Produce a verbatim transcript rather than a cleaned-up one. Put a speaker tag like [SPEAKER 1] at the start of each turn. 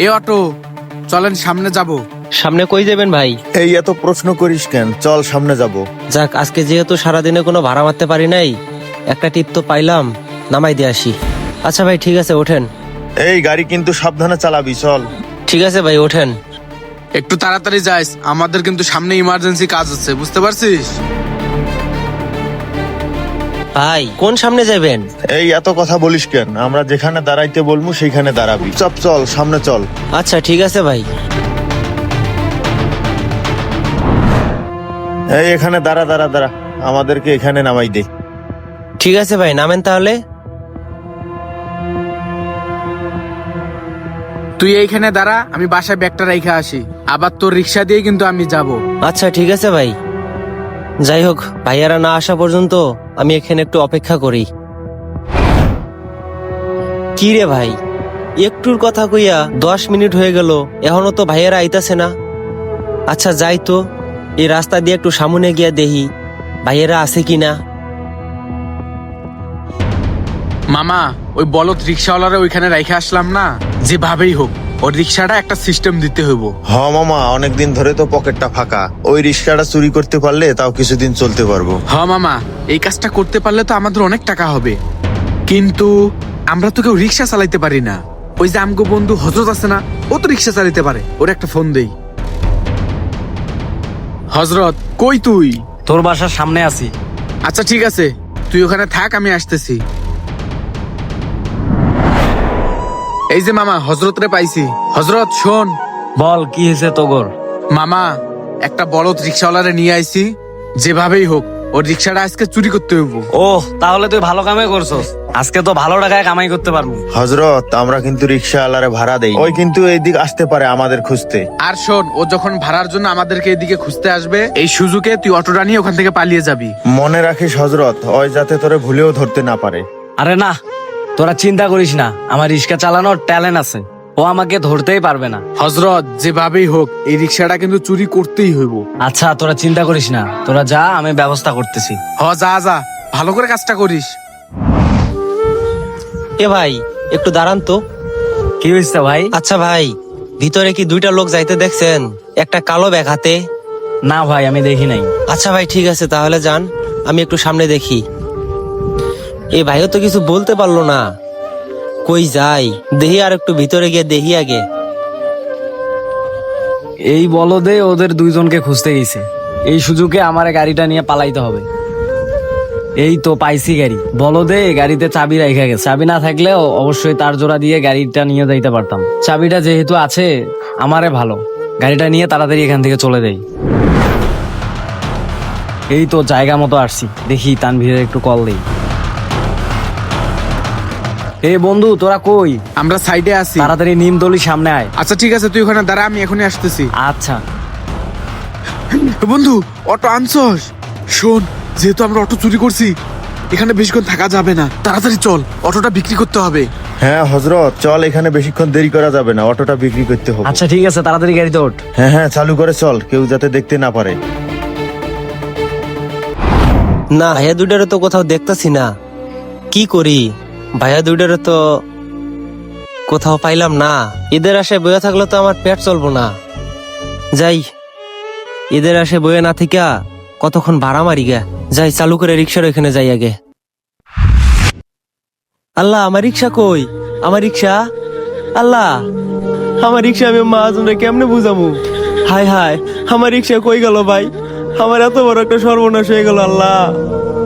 [SPEAKER 1] এ auto, চলেন সামনে যাব।
[SPEAKER 2] সামনে কই যাবেন ভাই?
[SPEAKER 3] এই এত প্রশ্ন করিস কেন, চল সামনে যাব।
[SPEAKER 2] যাক, আজকে যেহেতু সারাদিনে কোনো ভাড়া মারতে পারি নাই, একটা টিপ তো পাইলাম, নামাই দিয়ে আসি। আচ্ছা ভাই, ঠিক আছে, ওঠেন।
[SPEAKER 3] এই গাড়ি কিন্তু সাবধানে চালাবি, চল।
[SPEAKER 2] ঠিক আছে ভাই, ওঠেন।
[SPEAKER 1] একটু তাড়াতাড়ি যাইস, আমাদের কিন্তু সামনে ইমার্জেন্সি কাজ আছে, বুঝতে পারছিস?
[SPEAKER 2] ভাই কোন সামনে যাবেন?
[SPEAKER 3] এই এত কথা বলিস কেন, আমরা যেখানে দাঁড়াইতে বলবো সেইখানে দাঁড়াবি। চপ চল, সামনে চল।
[SPEAKER 2] আচ্ছা ঠিক আছে ভাই।
[SPEAKER 3] এই এখানে দাঁড়া দাঁড়া দাঁড়া, আমাদেরকে এখানে নামাই দে।
[SPEAKER 2] ঠিক আছে ভাই, নামেন তাহলে।
[SPEAKER 1] তুই এইখানে দাঁড়া, আমি বাসায় ব্যাগটা রেখে আসি, আবার তোর রিক্সা দিয়ে কিন্তু আমি যাব।
[SPEAKER 2] আচ্ছা ঠিক আছে ভাই। যাই হোক, ভাইয়ারা না আসা পর্যন্ত আমি এখানে একটু অপেক্ষা করি। কি রে ভাই, একটুর কথা কইয়া দশ মিনিট হয়ে গেল, এখনো তো ভাইয়ারা আইতাছে না। আচ্ছা যাই তো, এই রাস্তা দিয়ে একটু সামনে গিয়া দেখি ভাইয়ারা আছে কিনা।
[SPEAKER 1] মামা, ওই বলদ রিক্সাওয়ালারা ওইখানে রেখে আসলাম না, যেভাবেই হোক ওর রিক্সাটা একটা সিস্টেম দিতে হইব।
[SPEAKER 3] হ মামা, অনেকদিন ধরে তো পকেটটা ফাঁকা, ওই রিক্সাটা চুরি করতে পারলে তাও কিছুদিন চলতে পারবো।
[SPEAKER 1] হ মামা, এই কাজটা করতে পারলে তো আমাদের অনেক টাকা হবে, কিন্তু আমরা তো কেউ রিক্সা চালাইতে পারি না। ওই যে আমগো বন্ধু হজরত আছে না, ও তো রিক্সা চালাইতে পারে, ওর একটা ফোন দেই। হজরত, কই তুই?
[SPEAKER 4] তোর বাসার সামনে আছি।
[SPEAKER 1] আচ্ছা ঠিক আছে, তুই ওখানে থাক, আমি আসতেছি। এই যে মামা, হজরত রে পাইছি। হজরত শোন।
[SPEAKER 4] বল, কি হয়েছে তোগর?
[SPEAKER 1] মামা, একটা বলদ রিক্সাওয়ালারে নিয়ে আইছি, যেভাবেই হোক ওর রিক্সাটা আজকে চুরি করতে হইব।
[SPEAKER 4] ও, তাহলে তুই ভালো কামে করছস, আজকে তো ভালো টাকায় কামাই করতে পারবো।
[SPEAKER 3] হজরত, আমরা কিন্তু রিক্সা আলারে ভাড়া দেই, ওই কিন্তু এইদিক আসতে পারে আমাদের খুঁজতে।
[SPEAKER 1] আর শোন, ও যখন ভাড়ার জন্য আমাদেরকে এদিকে খুঁজতে আসবে, এই সুযোগে তুই অটোটা নিয়ে ওখান থেকে পালিয়ে যাবি।
[SPEAKER 3] মনে রাখিস হজরত, ওই যাতে তোরে ভুলেও ধরতে না পারে।
[SPEAKER 4] আরে না, তোরা চিন্তা করিস না, আমার রিক্সা চালানোর ট্যালেন্ট আছে, ও আমাকে ধরতেই পারবে না।
[SPEAKER 1] হজরত, যেভাবেই হোক এই রিক্সাটা কিন্তু চুরি করতেই হইব।
[SPEAKER 4] আচ্ছা তোরা চিন্তা করিস না, তোরা যা, আমি ব্যবস্থা করতেছি।
[SPEAKER 1] হ, যা যা, ভালো করে কাজটা করিস।
[SPEAKER 2] এ ভাই, একটু দাঁড়ান তো।
[SPEAKER 4] কি হয়েছে ভাই?
[SPEAKER 2] আচ্ছা ভাই, ভিতরে কি দুইটা লোক যাইতে দেখছেন? একটা কালো ব্যাগ হাতে।
[SPEAKER 4] না ভাই, আমি দেখি নাই।
[SPEAKER 2] আচ্ছা ভাই, ঠিক আছে, তাহলে যান, আমি একটু সামনে দেখি। এই ভাইও তো কিছু বলতে পারলো না, কই যাই দেখি, আর একটু ভিতরে গিয়ে দেখি আগে।
[SPEAKER 4] এই বলদে ওদের দুইজনকে খুঁজতে গেছে, এই সুযোগে আমার গাড়িটা নিয়ে পালাইতে হবে। এই তো পাইছি গাড়ি। বলদে গাড়িতে চাবি রাখা গেছে, চাবি না থাকলেও অবশ্যই তার জোড়া দিয়ে গাড়িটা নিয়ে যাইতে পারতাম। চাবিটা যেহেতু আছে, আমারে ভালো, গাড়িটা নিয়ে তাড়াতাড়ি এখান থেকে চলে যাই। এই তো জায়গা মতো আসছি, দেখি তানভীরের একটু কল দেই। এই বন্ধু, তোরা কই?
[SPEAKER 1] আমরা সাইডে আছি।
[SPEAKER 4] তাড়াতাড়ি নিমতলি সামনে আয়।
[SPEAKER 1] আচ্ছা ঠিক আছে, তুই ওখানে দাঁড়া, আমি এখনই আসতেছি।
[SPEAKER 4] আচ্ছা।
[SPEAKER 1] বন্ধু, অটো আনছস? শোন, যেহেতু আমরা অটো চুরি করছি, এখানে বেশিক্ষণ থাকা যাবে না, তাড়াতাড়ি চল, অটোটা বিক্রি করতে হবে।
[SPEAKER 3] হ্যাঁ হজরত, চল, এখানে বেশিক্ষণ দেরি করা যাবে না, অটোটা বিক্রি করতে হবে।
[SPEAKER 4] আচ্ছা ঠিক আছে, তাড়াতাড়ি গাড়িতে ওঠ।
[SPEAKER 3] হ্যাঁ হ্যাঁ, চালু করে চল, কেউ যাতে দেখতে না পারে।
[SPEAKER 2] না, ভাইয়া দুইটারে তো কোথাও দেখতাছি না, কি করি? ভাইয়া দুইটারে তো কোথাও পাইলাম না। ঈদের আশায় বয়ে থাকলে তো আমার পেট চলবো না। যাই, ঈদের আশায় বয়ে না থিকা কতক্ষণ ভাড়া মারি গে। যাই, চালু করে রিক্সার ওইখানে যাই আগে। আল্লাহ, আমার রিক্সা কই? আমার রিক্সা, আল্লাহ, আমার রিক্সা আমি মহাজনরে কেমনে বুঝামু? হায় হায়, আমার রিক্সা কই গেল ভাই? আমার এত বড় একটা সর্বনাশ হয়ে গেল। আল্লাহ।